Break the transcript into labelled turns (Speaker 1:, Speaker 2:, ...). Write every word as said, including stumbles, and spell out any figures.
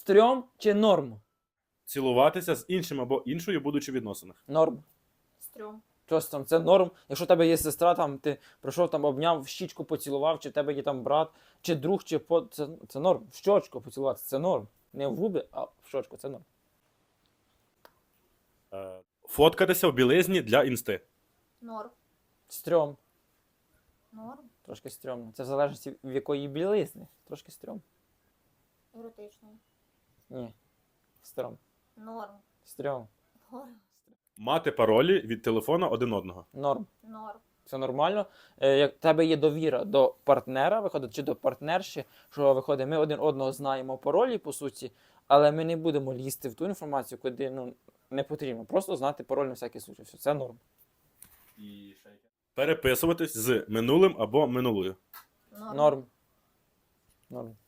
Speaker 1: Стрьом чи норм?
Speaker 2: Цілуватися з іншим або іншою, будучи в відносинах.
Speaker 1: Норм.
Speaker 3: Стрьом.
Speaker 1: Щось там, це норм. Якщо в тебе є сестра, там ти прийшов, там обняв, в щічку поцілував, чи в тебе є там брат, чи друг, чи по. Це, це норм. В щочку поцілуватися, це норм. Не в губи, а в щочку, це норм.
Speaker 2: Е, Фоткатися в білизні для інсти.
Speaker 3: Норм.
Speaker 1: Стрьом.
Speaker 3: Норм.
Speaker 1: Трошки стрьомно. Це в залежності в якої білизни. Трошки стрьом.
Speaker 3: Еротичний.
Speaker 1: Ні. Стрьом.
Speaker 3: Норм.
Speaker 1: Стрьом.
Speaker 3: Норм.
Speaker 2: Мати паролі від телефона один одного.
Speaker 1: Норм.
Speaker 3: Норм.
Speaker 1: Це нормально. Е, Як в тебе є довіра до партнера, виходить, чи до партнерші, що виходить, ми один одного знаємо паролі, по суті, але ми не будемо лізти в ту інформацію, куди ну, не потрібно. Просто знати пароль на всякий случай. Все, це норм.
Speaker 2: Переписуватись з минулим або минулою.
Speaker 3: Норм.
Speaker 1: Норм. Норм.